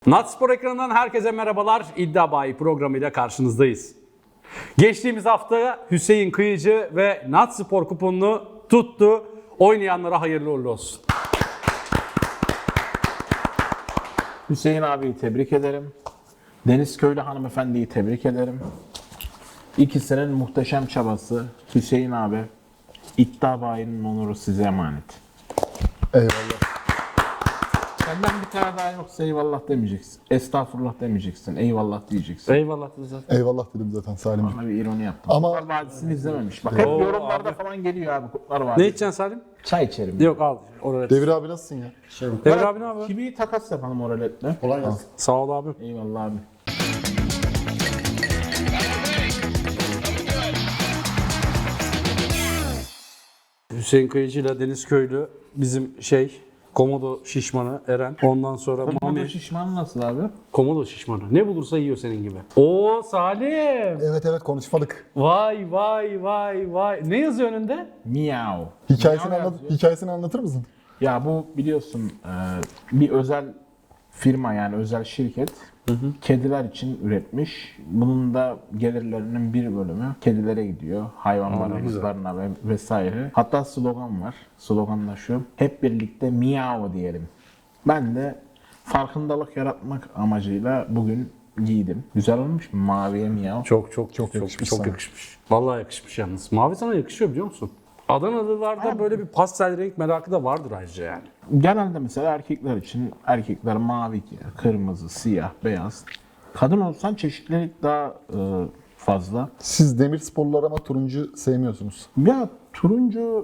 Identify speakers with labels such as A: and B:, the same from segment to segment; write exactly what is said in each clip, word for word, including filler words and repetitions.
A: Natspor ekranından herkese merhabalar. İddia Bayi programıyla karşınızdayız. Geçtiğimiz hafta Hüseyin Kıyıcı ve Natspor kuponunu tuttu. Oynayanlara hayırlı uğurlu olsun.
B: Hüseyin abiyi tebrik ederim. Deniz Köylü hanımefendiyi tebrik ederim. İkisinin muhteşem çabası. Hüseyin abi, İddia Bayi'nin onuru size emanet.
C: Eyvallah.
B: Senden bir tane daha yoksa eyvallah demeyeceksin. Estağfurullah demeyeceksin. Eyvallah diyeceksin.
A: Eyvallah zaten.
C: Eyvallah dedim zaten Salim.
B: Bana bir ironi yaptım.
C: Ama-
B: Kurtlar Vadisi'ni izlememiş. Bak hep
A: Oo,
B: yorumlarda
A: abi.
B: falan geliyor abi Kurtlar
A: Ne
B: Vadisi.
A: içeceksin Salim?
B: Çay içerim.
A: Yok al. Oralet.
C: Devir abi nasılsın ya?
A: Devir abi ne yapıyor?
B: Kivi takas yapalım oraletle.
C: Kolay gelsin.
A: Sağ ol abi.
B: Eyvallah abi.
A: Hüseyin Kıyıcı ile Deniz Köylü bizim şey Komodo şişmanı Eren. Ondan sonra
B: Komodo
A: Mami
B: şişman nasıl abi?
A: Komodo şişmanı. Ne bulursa yiyor senin gibi. Oo Salim.
C: Evet evet konuşmadık.
A: Vay vay vay vay. Ne yazıyor önünde?
B: Miau.
C: Hikayesini,
B: Miau
C: anlat
B: yazıyor.
C: hikayesini anlatır mısın?
B: Ya bu biliyorsun e, bir özel firma yani özel şirket kediler için üretmiş. Bunun da gelirlerinin bir bölümü kedilere gidiyor. Hayvanlara, rızlarına ve vesaire. Hatta slogan var. Slogan da şu. Hep birlikte miau diyelim. Ben de farkındalık yaratmak amacıyla bugün giydim. Güzel olmuş mu? Maviye miau.
A: Çok çok çok çok
C: yakışmış
A: çok
C: sana.
A: yakışmış. Vallahi yakışmış yalnız. Mavi sana yakışıyor biliyor musun? Adanalılarda böyle bir pastel renk merakı da vardır ayrıca yani.
B: Genelde mesela erkekler için erkekler mavi giyer. Kırmızı, siyah, beyaz. Kadın olsan çeşitlilik daha e, fazla.
C: Siz demir sporları ama turuncu sevmiyorsunuz.
B: Ya turuncu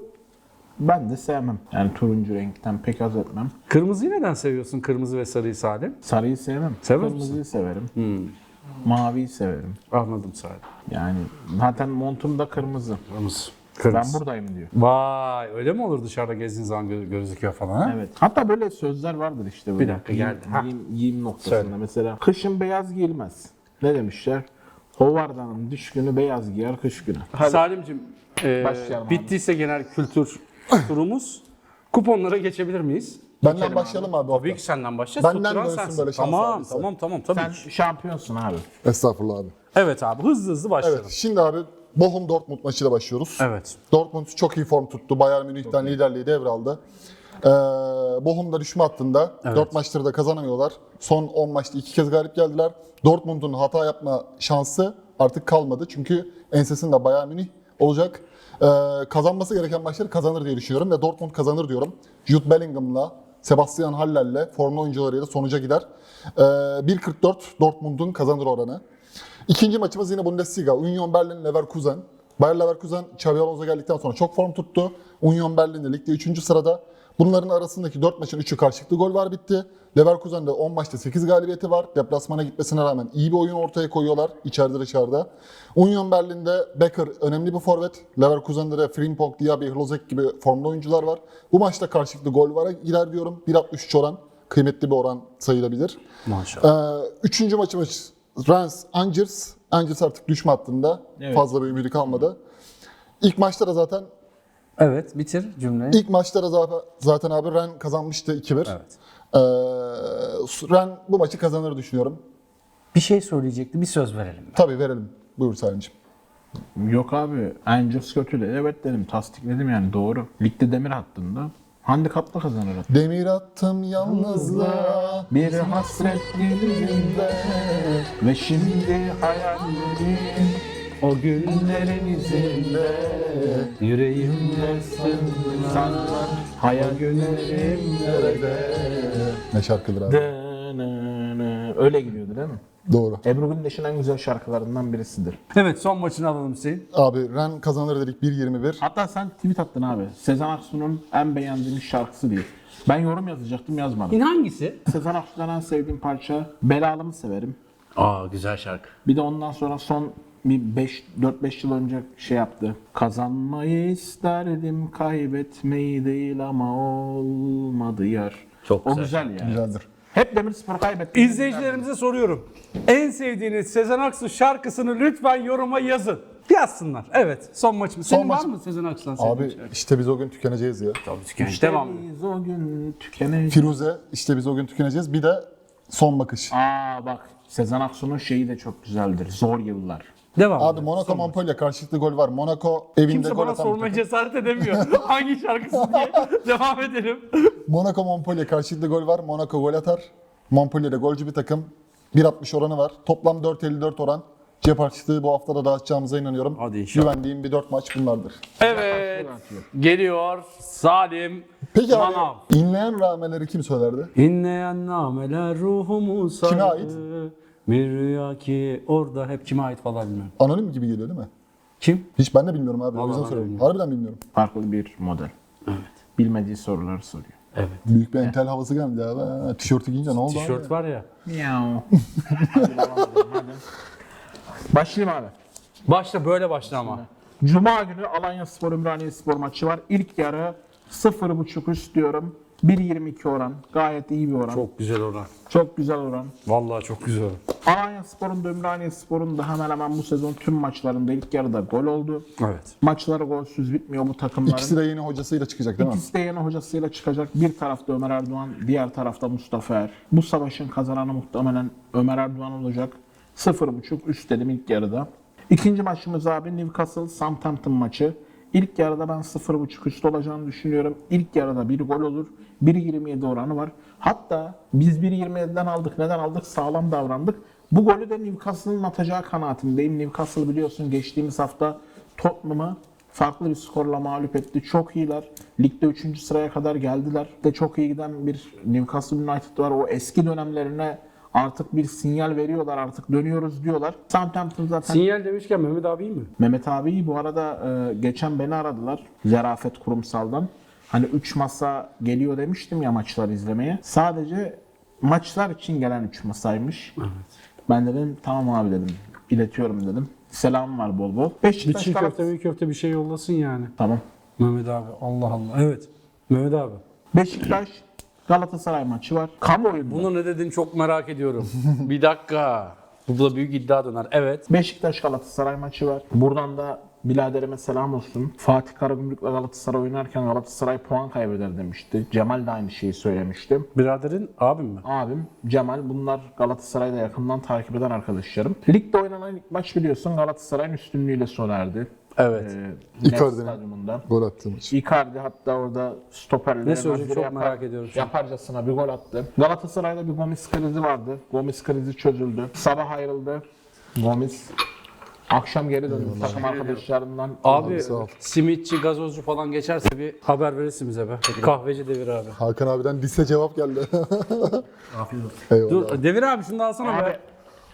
B: ben de sevmem. Yani turuncu renkten pek haz etmem.
A: Kırmızıyı neden seviyorsun? Kırmızı ve sarıyı Salim.
B: Sarıyı sevmem.
A: Sever
B: Kırmızıyı severim.
A: Hmm,
B: Maviyi severim.
A: anladım Salim.
B: Yani zaten montum da kırmızı.
A: Kırmızı.
B: Ben
A: Kırmızı.
B: buradayım diyor.
A: Vay öyle mi olur dışarıda gezdiğin zaman gö- gözüküyor falan ha?
B: Evet. Hatta böyle sözler vardır işte böyle.
A: Bir dakika,
B: Giyim-
A: geldi. Ha.
B: Giyim, giyim noktasında.
A: Söyle.
B: Mesela kışın beyaz giyilmez. Ne demişler? Hovardanın düşkünü beyaz giyer kış günü.
A: Salim'cim e,
B: Başlayalım abi.
A: bittiyse genel kültür turumuz. Kuponlara geçebilir miyiz?
C: Benden başlayalım abi.
A: Tabii ki senden başlayacağız.
C: Benden
A: Tutturan
C: dönsün
A: sensin.
C: böyle şans
A: Tamam
C: abisi.
A: tamam tamam tabii
B: Sen
A: ki.
B: şampiyonsun abi.
C: Estağfurullah abi.
A: Evet abi hızlı hızlı başlayalım.
C: Evet şimdi abi Bochum Dortmund maçıyla başlıyoruz.
A: Evet.
C: Dortmund çok iyi form tuttu. Bayern Münih'ten liderliği devraldı. Ee, Bochum da düşme hattında. dört maçları da kazanamıyorlar. Son on maçta iki kez galip geldiler. Dortmund'un hata yapma şansı artık kalmadı. Çünkü ensesinde Bayern Münih olacak. Ee, kazanması gereken maçları kazanır diye düşünüyorum ve Dortmund kazanır diyorum. Jude Bellingham'la, Sebastian Haller'le formlu oyuncularıyla sonuca gider. Ee, bir kırk dört Dortmund'un kazanır oranı. İkinci maçımız yine Bundesliga. Union Berlin Leverkusen. Bayer Leverkusen Xabi Alonso geldikten sonra çok form tuttu. Union Berlin de ligde üçüncü sırada. Bunların arasındaki dört maçın üçü karşılıklı gol var bitti. Leverkusen'de on maçta sekiz galibiyeti var. Deplasmana gitmesine rağmen iyi bir oyun ortaya koyuyorlar içeride dışarıda. Union Berlin'de Becker önemli bir forvet. Leverkusen'de de Frimpong, Diaby, Hlozek gibi formlu oyuncular var. Bu maçta karşılıklı gol vara girer diyorum. bir altmış üç oran. Kıymetli bir oran sayılabilir.
A: Maşallah.
C: Ee, üçüncü maçımız Reims Angers. Angers artık düşme hattında.
B: Evet.
C: Fazla bir ümidi kalmadı. İlk maçta da zaten
A: Evet bitir cümleyi.
C: ilk maçta da zaten, zaten abi Rennes kazanmıştı iki bir.
A: Evet.
C: Ee, Rennes bu maçı kazanır düşünüyorum.
A: Bir şey söyleyecekti bir söz verelim.
C: Tabii verelim. Buyur Salimciğim.
B: Yok abi. Angels kötü de evet dedim. Tasdikledim yani doğru. Ligde demir hattında. Handikapla kazanır.
C: Demir attım yalnızlığa.
B: Bir hasret dilimde ve şimdi hayallerim o günlerin izinde yüreğimde sınırlar hayal günlerim nerede?
C: Ne şarkıdır abi.
B: Öyle gidiyordu değil mi?
C: Doğru.
B: Ebru Gündeş'in en güzel şarkılarından birisidir.
A: Evet son maçını alalım Hüseyin.
C: Abi Rennes kazanır dedik bir yirmi bir.
B: Hatta sen tweet attın abi. Sezen Aksu'nun en beğendiğim şarkısı diye. Ben yorum yazacaktım yazmadım.
A: Yine hangisi?
B: Sezen Aksu'dan en sevdiğim parça Belalımı severim.
A: Aa güzel şarkı.
B: Bir de ondan sonra son bir beş dört beş yıl önce şey yaptı. Kazanmayı isterdim, kaybetmeyi değil ama olmadı yar.
A: Çok
B: o
A: güzel.
B: güzel yani.
C: Güzeldir.
B: Hep Demirspor kaybetti.
A: İzleyicilerimize soruyorum. En sevdiğiniz Sezen Aksu şarkısını lütfen yoruma yazın. Yazsınlar. Evet son maçımız. Senin
C: Son
A: var
C: maç-
A: mı Sezen Aksu'dan sevdiğin
C: Abi
A: şarkı?
C: işte biz o gün tükeneceğiz ya.
A: Tabii tükenç.
B: İşte
A: Devam.
B: biz o gün tükeneceğiz.
C: Firuze işte biz o gün tükeneceğiz. Bir de son bakış.
B: Aa bak, Sezen Aksu'nun şeyi de çok güzeldir. Zor Yıllar.
A: Devam.
C: Abi Monaco Montpellier karşılıklı gol var. Monaco evinde
A: Kimse
C: gol
A: bana
C: atan bir
A: sormaya
C: takım.
A: cesaret edemiyor. Hangi şarkısı diye. Devam edelim.
C: Monaco Montpellier karşılıklı gol var. Monaco gol atar. Montpellier'de golcü bir takım. bir altmış oranı var. Toplam dört elli dört oran. Cep harçlığı bu hafta da dağıtacağımıza inanıyorum.
A: Hadi inşallah.
C: Güvendiğim bir dört maç bunlardır.
A: Evet. Geliyor Salim
C: Peki
A: Manav.
C: abi inleyen rağmeleri kim söylerdi?
A: İnleyen nameler ruhumu sardı.
C: Kime ait?
A: Bir rüya ki orada hep kime ait falan bilmiyorum.
C: Anonim gibi geliyor değil mi?
A: Kim?
C: Hiç ben de bilmiyorum abi. O
A: Vallahi
C: yüzden
A: ben de
C: soruyorum.
A: bilmiyorum.
C: Harbiden bilmiyorum.
B: Farklı bir model.
A: Evet.
B: Bilmediği soruları soruyor.
A: Evet.
C: Büyük bir entel havası geldi abi. Ha, tişörtü giyince ne oldu
A: Tişört
C: abi?
A: var ya.
B: Miau. Başlayayım abi.
A: Başla böyle başla ama.
B: Cuma günü Alanya Spor Ümraniye Spor maçı var. İlk yarı sıfır buçuk üst diyorum. bir yirmi iki oran. Gayet iyi bir oran. Çok,
A: Çok güzel oran.
B: güzel oran.
A: Vallahi çok güzel oran.
B: Alanya Spor'un da Ümraniye Spor'un da hemen hemen bu sezon tüm maçlarında ilk yarıda gol oldu.
A: Evet.
B: Maçları golsüz bitmiyor bu takımların.
C: İkisi de yeni hocasıyla çıkacak değil mi?
B: İkisi de yeni hocasıyla çıkacak. Bir tarafta Ömer Erdoğan, diğer tarafta Mustafa Er. Bu savaşın kazananı muhtemelen Ömer Erdoğan olacak. sıfır buçuk üst dedim ilk yarıda. İkinci maçımız abi Newcastle Southampton maçı. İlk yarıda ben sıfır buçuk üst olacağını düşünüyorum. İlk yarıda bir gol olur. bir yirmi yedi oranı var. Hatta biz bir yirmi yediden aldık. Neden aldık? Sağlam davrandık. Bu golü de Newcastle'ın atacağı kanaatindeyim. Newcastle biliyorsun geçtiğimiz hafta Tottenham'ı farklı bir skorla mağlup etti. Çok iyiler. Ligde üçüncü sıraya kadar geldiler. De çok iyi giden bir Newcastle United var. O eski dönemlerine artık bir sinyal veriyorlar. Artık dönüyoruz diyorlar. Southampton zaten...
A: Sinyal demişken Mehmet abi iyi mi?
B: Mehmet abi bu arada e, geçen beni aradılar. Zarafet Kurumsal'dan. Hani üç masa geliyor demiştim ya maçları izlemeye. Sadece maçlar için gelen üç masaymış.
A: Evet.
B: Ben dedim tamam abi dedim. İletiyorum dedim. Selam var bol bol.
A: Bir
B: Beşiktaş
A: çiğ
B: Galatasaray-
A: köfte bir köfte bir şey yollasın yani.
B: Tamam.
A: Mehmet abi Allah Allah. Evet. Mehmet abi.
B: Beşiktaş Galatasaray maçı var. Kamuoyunda.
A: Bunu ne dedin çok merak ediyorum. Bir dakika. Burada büyük iddia döner. Evet.
B: Beşiktaş Galatasaray maçı var. Buradan da biraderime selam olsun. Fatih Karagümrük'le Galatasaray oynarken Galatasaray puan kaybeder demişti. Cemal de aynı şeyi söylemişti.
A: Biraderin abim mi?
B: Abim Cemal, bunlar Galatasaray'da yakından takip eden arkadaşlarım. Ligde oynanan ilk maç biliyorsun Galatasaray'ın üstünlüğüyle sona erdi.
A: Evet.
B: Ee, Nef
C: Icardi'nin.
B: Stadyumunda.
C: Gol attı maç.
B: Icardi hatta orada stoperlere
A: Ne söyleyecek
B: nazire
A: çok merak ediyorum şu an.
B: Yaparcasına bir gol attı. Galatasaray'da bir Gomis krizi vardı. Gomis krizi çözüldü. Sabah ayrıldı. Gomis akşam geri döndü takım arkadaşlarından.
A: Abi
C: sağ ol.
A: simitçi, gazozcu falan geçerse bir haber verirsin bize be. Kahveci Devir abi.
C: Hakan abiden lise cevap geldi.
A: Afiyet olsun.
C: Eyvallah.
A: Dur Devir abi şunu da alsana
B: Abi,
A: be.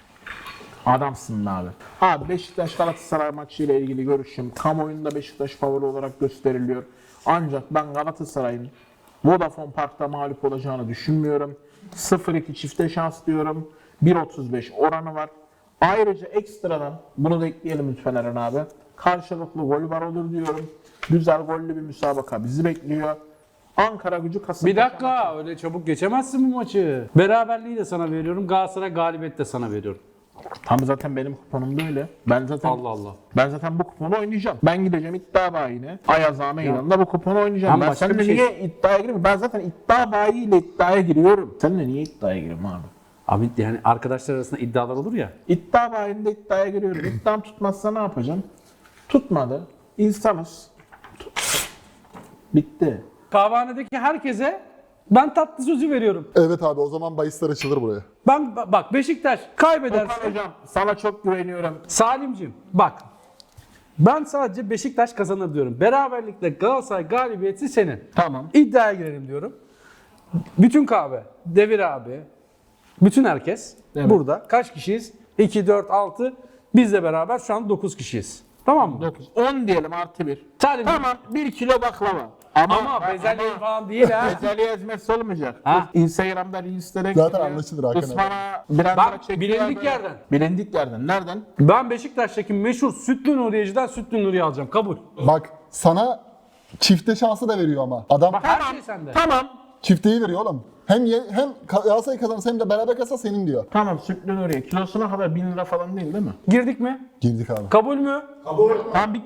B: adamsın abi. Abi Beşiktaş Galatasaray maçı ile ilgili görüşüm. Kamuoyunda Beşiktaş favori olarak gösteriliyor. Ancak ben Galatasaray'ın Vodafone Park'ta mağlup olacağını düşünmüyorum. sıfır iki çifte şans diyorum. bir otuz beş oranı var. Ayrıca ekstradan bunu da ekleyelim lütfen Eren abi. Karşılıklı gol var olur diyorum. Güzel gollü bir müsabaka bizi bekliyor. Ankara Gücü Kasımpaşa
A: Bir dakika öyle çabuk geçemezsin bu maçı. Beraberliği de sana veriyorum. Galatasaray galibiyet de sana veriyorum.
B: Tam zaten benim kuponum da öyle. Ben zaten
A: Allah Allah.
B: Ben zaten bu kuponu oynayacağım. Ben gideceğim iddia bayine. Ayaz Meydanı'nda bu kuponu oynayacağım.
A: Ben
B: Ben,
A: başka
B: seninle
A: bir şey-
B: niye iddiaya gireyim? Ben zaten iddia bayiyle iddiaya giriyorum. Seninle niye iddiaya gireyim abi?
A: Abi yani arkadaşlar arasında iddialar olur ya.
B: İddia bayinde iddiaya giriyorum. İddiam tutmazsa ne yapacağım? Tutmadı. İnsanız. Tut- Bitti.
A: Kahvehanedeki herkese ben tatlı sözü veriyorum.
C: Evet abi o zaman bahisler açılır buraya.
A: Ben bak Beşiktaş kaybederse
B: Okan hocam sana çok güveniyorum.
A: Salimcim bak ben sadece Beşiktaş kazanır diyorum. Beraberlikle Galatasaray galibiyeti senin.
B: Tamam.
A: İddiaya girelim diyorum. Bütün kahve, Devir abi, bütün herkes
B: Evet.
A: burada. Kaç kişiyiz? iki, dört, altı. Bizle beraber şu an dokuz kişiyiz. Tamam mı?
B: dokuz. on diyelim artı bir.
A: Salim,
B: Tamam bir kilo baklava. Ama,
A: ama bezelye falan değil ha.
B: Bezelye ezmesi olmayacak.
A: Ha.
B: Instagram'da Reels'lere
C: Zaten
B: gidiyor.
C: anlaşılır Hakan abi.
B: Ispana birer
A: Bak,
B: para çekiyor
A: bilindik
B: böyle.
A: yerden.
B: Bilindik yerden. Nereden?
A: Ben Beşiktaş'taki meşhur Sütlü Nuriye'ciden Sütlü Nuriye alacağım. Kabul.
C: Bak sana çifte şansı da veriyor ama. Adam
A: Bak her şey sende.
B: Tamam.
C: çifteyi veriyor oğlum. Hem ye, hem Galatasaray kazanırsa hem de beraber kazanırsa senin diyor.
B: Tamam sütlü Nuriye. Kilosuna kadar bin lira falan değil değil mi?
A: Girdik mi?
C: Girdik abi.
A: Kabul mü?
B: Tamam bir kilo.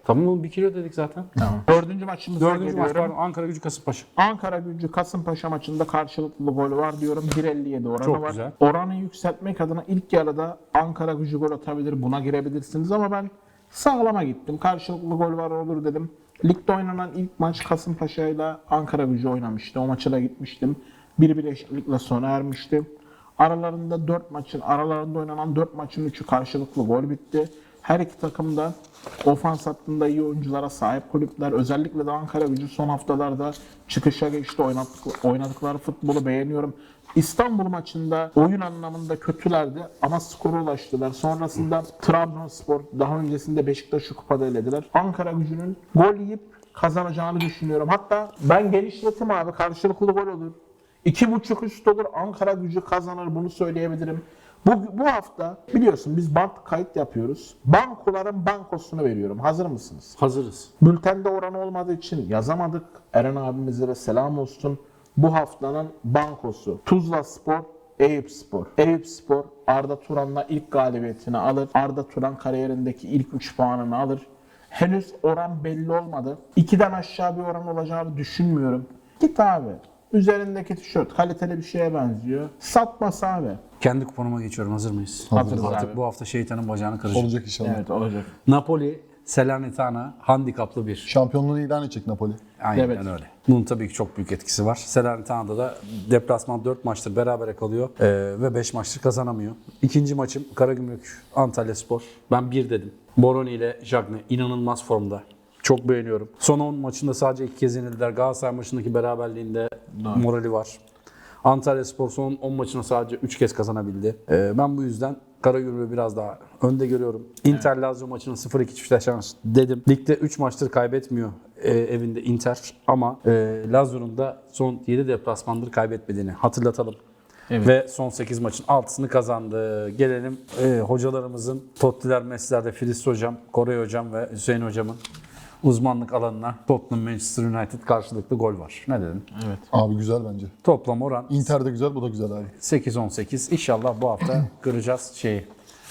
A: Tamam oğlum bir kilo dedik zaten.
B: Tamam. Dördüncü maçımıza
A: Dördüncü maç
B: geliyorum.
A: var Ankara Gücü Kasımpaşa.
B: Ankara Gücü Kasımpaşa maçında karşılıklı gol var diyorum. bir elli yedi oranı
A: Çok
B: var.
A: güzel.
B: Oranı yükseltmek adına ilk yarıda Ankara Gücü gol atabilir. Buna girebilirsiniz ama ben sağlama gittim. Karşılıklı gol var olur dedim. Ligde oynanan ilk maç Kasımpaşa ile Ankara Gücü oynamıştı. O maça da gitmiştim. bir bir eşitlikle sona ermişti. Aralarında dört maçın aralarında oynanan dört maçın üçü karşılıklı gol bitti. Her iki takım da ofans hattında iyi oyunculara sahip kulüpler. Özellikle de Ankara Gücü son haftalarda çıkışa geçti. Oynadık, oynadıkları futbolu beğeniyorum. İstanbul maçında oyun anlamında kötülerdi ama skora ulaştılar. Sonrasında Trabzonspor, daha öncesinde Beşiktaş'ı kupada elediler. Ankara Gücü'nün gol yiyip kazanacağını düşünüyorum. Hatta ben genişletim abi, karşılıklı gol olur. İki buçuk üst olur, Ankara Gücü kazanır, bunu söyleyebilirim. Bu, bu hafta biliyorsun biz bank kayıt yapıyoruz. Bankoların bankosunu veriyorum. Hazır mısınız?
A: Hazırız.
B: Bültende oran olmadığı için yazamadık. Eren abimize de selam olsun. Bu haftanın bankosu Tuzla Spor, Eyüp Spor. Eyüp Spor Arda Turan'la ilk galibiyetini alır. Arda Turan kariyerindeki ilk üç puanını alır. Henüz oran belli olmadı. ikiden aşağı bir oran olacağını düşünmüyorum. Git abi. Üzerindeki tişört kaliteli bir şeye benziyor. Satmasa abi.
A: Kendi kuponuma geçiyorum. Hazır mıyız?
B: Hazırız
A: Artık
B: abi.
A: bu hafta şeytanın bacağını kıracağım.
C: Olacak inşallah.
B: Evet olacak.
A: Napoli, Salernitana handikaplı bir.
C: Şampiyonluğunu ilan edecek Napoli.
A: Aynen
B: Evet.
A: öyle. Bunun tabii ki çok büyük etkisi var. Salernitana'da da deplasman dört maçtır berabere kalıyor ee, ve beş maçtır kazanamıyor. İkinci maçım Karagümrük Antalyaspor. Ben bir dedim. Boroni ile Jagne inanılmaz formda. Çok beğeniyorum. Son on maçında sadece iki kez yenildiler. Galatasaray maçındaki beraberliğinde morali var. Antalyaspor son on maçına sadece üç kez kazanabildi. Ee, ben bu yüzden Karagümrük'ü biraz daha önde görüyorum. Inter Lazio maçının sıfır iki çifte şans dedim. Ligde üç maçtır kaybetmiyor e, evinde Inter ama e, Lazio'nun da son yedi deplasmandır kaybetmediğini hatırlatalım.
B: Evet.
A: Ve son sekiz maçın altısını kazandı. Gelelim e, hocalarımızın Tottiler Messi'lerde Filiz Hocam, Koray Hocam ve Hüseyin Hocam'ın uzmanlık alanına Tottenham Manchester United karşılıklı gol var. Ne dedim?
B: Evet.
C: Abi güzel bence.
A: Toplam oran
C: Inter de güzel, bu da güzel abi.
A: sekiz on sekiz. İnşallah bu hafta kıracağız şeyi.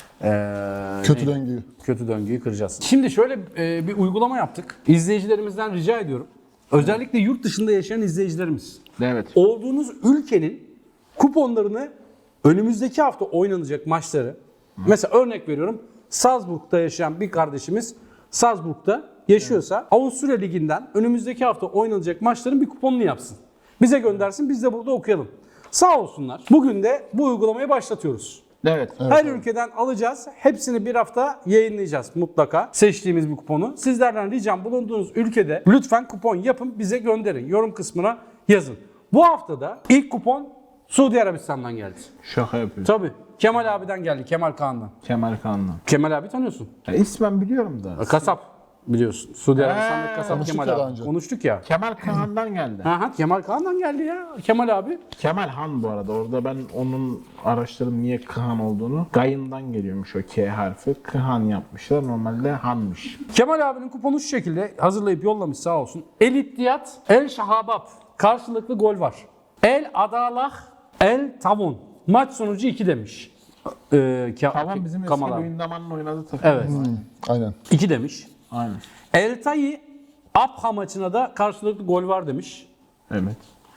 A: Ee,
C: Kötü
A: neydi?
C: döngüyü.
A: Kötü döngüyü kıracağız. Şimdi şöyle e, bir uygulama yaptık. İzleyicilerimizden rica ediyorum. Özellikle yurt dışında yaşayan izleyicilerimiz.
B: Evet.
A: Olduğunuz ülkenin kuponlarını önümüzdeki hafta oynanacak maçları. Mesela örnek veriyorum. Salzburg'da yaşayan bir kardeşimiz Salzburg'da yaşıyorsa Avusturya Ligi'nden önümüzdeki hafta oynanacak maçların bir kuponunu yapsın. Bize göndersin, biz de burada okuyalım. Sağ olsunlar. Bugün de bu uygulamayı başlatıyoruz.
B: Evet.
A: Her ülkeden alacağız. Hepsini bir hafta yayınlayacağız mutlaka. Seçtiğimiz bir kuponu. Sizlerden ricam bulunduğunuz ülkede lütfen kupon yapın, bize gönderin. Yorum kısmına yazın. Bu haftada ilk kupon Suudi Arabistan'dan geldi.
B: Şaka yapıyorsun.
A: Tabii. Kemal abiden geldi. Kemal Kağan'dan.
B: Kemal Kanlı.
A: Kemal abi tanıyorsun.
B: Ya ismen biliyorum da.
A: Kasap biliyorsun. Suudi Arabistan'daki kasap
C: konuştuk
A: Kemal
C: ya
A: abi.
C: daha önce.
A: Konuştuk ya.
B: Kemal Kaan'dan geldi.
A: Ha ha Kemal Kağan'dan geldi ya. Kemal abi.
B: Kemal Han bu arada. Orada ben onun araştırdım niye Kıhan olduğunu. Gayından geliyormuş o K harfi. Kıhan yapmışlar. Normalde Han'mış.
A: Kemal abinin kuponu şu şekilde hazırlayıp yollamış sağ olsun. El İttiyat, El Şahabab. Karşılıklı gol var. El Adalah, El Tavun. Maç sonucu iki demiş. Ee, Ke-
B: Tamam bizim eski
A: Kamal abi.
B: Luyendama'nın oynadığı takım.
A: Evet.
C: Aynen.
A: iki demiş.
B: Aynen.
A: El Tayi, Abha maçına da karşılıklı gol var demiş.
B: Evet.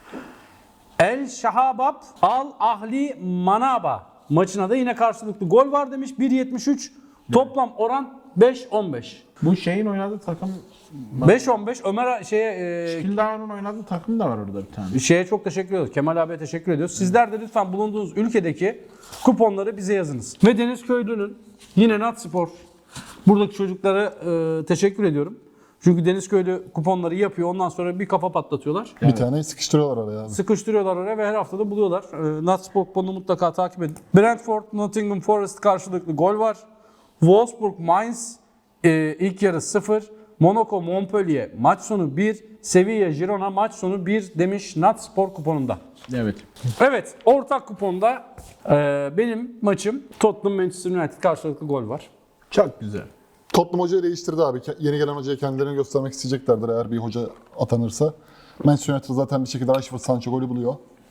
A: El Şahabab, Al Ahli Manaba maçına da yine karşılıklı gol var demiş. bir yetmiş üç. Toplam oran beş on beş.
B: Bu şeyin oynadığı takım
A: beş on beş Ömer şeye e,
B: Kildağ'ın oynadığı takım da var orada bir tane.
A: Şeye çok teşekkür ediyoruz. Kemal abiye teşekkür ediyoruz. Sizler de lütfen bulunduğunuz ülkedeki kuponları bize yazınız. Ve Deniz Köylü'nün yine Natspor buradaki çocuklara e, teşekkür ediyorum. Çünkü Deniz Köylü kuponları yapıyor. Ondan sonra bir kafa patlatıyorlar.
C: Bir tane sıkıştırıyorlar araya abi.
A: Sıkıştırıyorlar oraya ve her hafta da buluyorlar. E, Natspor kuponunu mutlaka takip edin. Brentford, Nottingham Forest karşılıklı gol var. Wolfsburg, Mainz e, ilk yarı sıfır. Monaco, Montpellier maç sonu bir. Sevilla, Girona maç sonu bir demiş Natspor kuponunda.
B: Evet.
A: Evet, ortak kuponda e, benim maçım Tottenham Manchester United karşılıklı gol var.
B: Çok güzel.
C: Tottenham hocayı değiştirdi abi. Ke- Yeni gelen hocaya kendilerini göstermek isteyeceklerdir eğer bir hoca atanırsa. Manchester United zaten bir şekilde Rashford Sancho golü buluyor.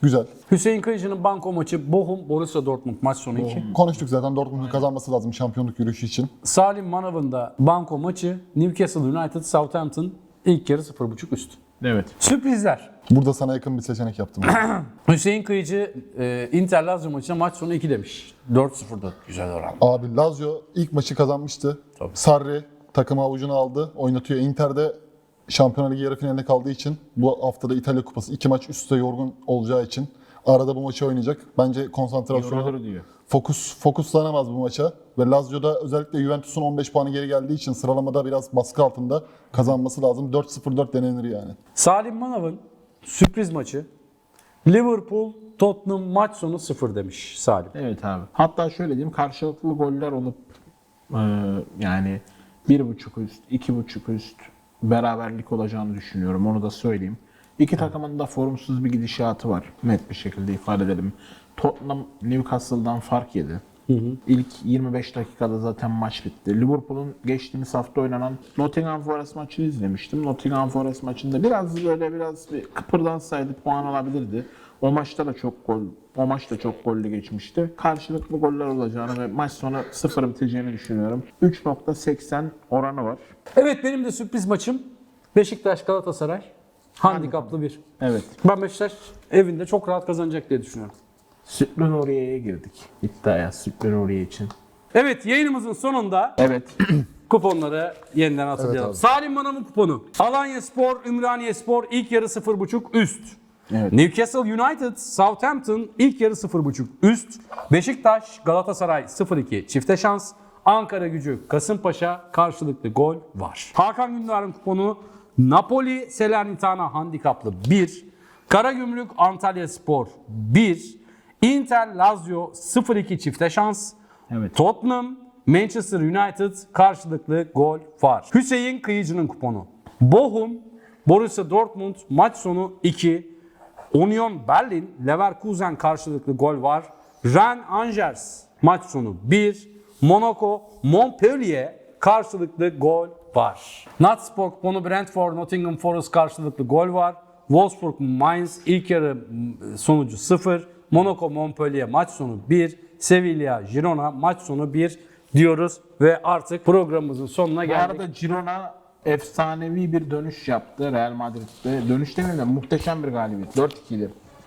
C: Güzel.
A: Hüseyin Kıyıcı'nın banko maçı Bochum Borussia Dortmund maç sonu iki.
C: Konuştuk zaten Dortmund'un kazanması lazım şampiyonluk yürüyüşü için.
A: Salim Manav'ın da banko maçı Newcastle United Southampton ilk yarı sıfır buçuk üst.
B: Evet.
A: Sürprizler.
C: Burada sana yakın bir seçenek yaptım.
A: Hüseyin Kıyıcı e, Inter Lazio maçına maç sonu iki demiş. dört sıfırda güzel oran.
C: Abi Lazio ilk maçı kazanmıştı.
A: Tabii.
C: Sarri takımı avucuna aldı. Oynatıyor. Inter'de Şampiyonlar Ligi yarı finalinde kaldığı için bu haftada İtalya Kupası iki maç üst üste yorgun olacağı için arada bu maçı oynayacak. Bence konsantrasyonu
B: Yorulur diyor.
C: fokus fokuslanamaz bu maça ve Lazio'da özellikle Juventus'un on beş puanı geri geldiği için sıralamada biraz baskı altında kazanması lazım. dört sıfır dört denenir yani.
A: Salim Manav'ın sürpriz maçı Liverpool Tottenham maç sonu sıfır demiş Salim.
B: Evet abi. Hatta şöyle diyeyim, karşılıklı goller olup e, yani bir buçuk üst, iki buçuk üst beraberlik olacağını düşünüyorum. Onu da söyleyeyim. İki takımın da formsuz bir gidişatı var. Net bir şekilde ifade edelim. Tottenham Newcastle'dan fark yedi. Hı hı. İlk yirmi beş dakikada zaten maç bitti. Liverpool'un geçtiğimiz hafta oynanan Nottingham Forest maçını izlemiştim. Nottingham Forest maçında biraz böyle biraz bir kıpırdansaydı puan alabilirdi. O maçta da çok gol, o maç da çok gollü geçmişti. Karşılıklı goller olacağını ve maç sonu sıfır biteceğini düşünüyorum. üç nokta seksen oranı var.
A: Evet, benim de sürpriz maçım Beşiktaş Galatasaray. Handikaplı bir.
B: Evet.
A: Ben Beşiktaş evinde çok rahat kazanacak diye düşünüyorum.
B: Sütlü Nuriye'ye girdik. İddiaya Sütlü Nuriye için.
A: Evet, yayınımızın sonunda
B: Evet.
A: kuponları yeniden hatırlayalım.
C: Evet
A: Salim Manav'ın kuponu. Alanya Spor, Ümraniye Spor ilk yarı sıfır buçuk üst.
B: Evet.
A: Newcastle United, Southampton ilk yarı sıfır buçuk üst. Beşiktaş, Galatasaray sıfır iki çifte şans. Ankara Gücü, Kasımpaşa karşılıklı gol var. Hakan Gündoğan'ın kuponu Napoli, Salernitana handikaplı bir. Karagümrük, Antalya Spor bir. Inter, Lazio sıfır iki çifte şans.
B: Evet.
A: Tottenham, Manchester United karşılıklı gol var. Hüseyin Kıyıcı'nın kuponu. Bochum, Borussia Dortmund maç sonu iki. Union Berlin, Leverkusen karşılıklı gol var. Rennes, Angers maç sonu bir. Monaco, Montpellier karşılıklı gol var. Natspor kuponu Brentford, Nottingham Forest karşılıklı gol var. Wolfsburg, Mainz ilk yarı sonucu sıfır. Monaco, Montpellier maç sonu bir. Sevilla, Girona maç sonu bir diyoruz ve artık programımızın sonuna
B: Bu
A: geldik.
B: arada Girona efsanevi bir dönüş yaptı Real Madrid'de. Dönüş demeyeyim de muhteşem bir galibiyet. dört ikili.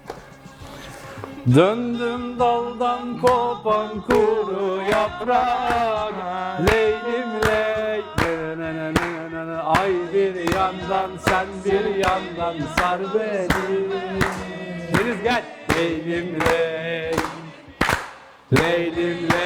A: Döndüm daldan kopan kuru yaprak, leylim ley, nenenenenenene. Ay bir yandan sen bir yandan sar beni. Deniz gel. Leylim ley, leylim ley.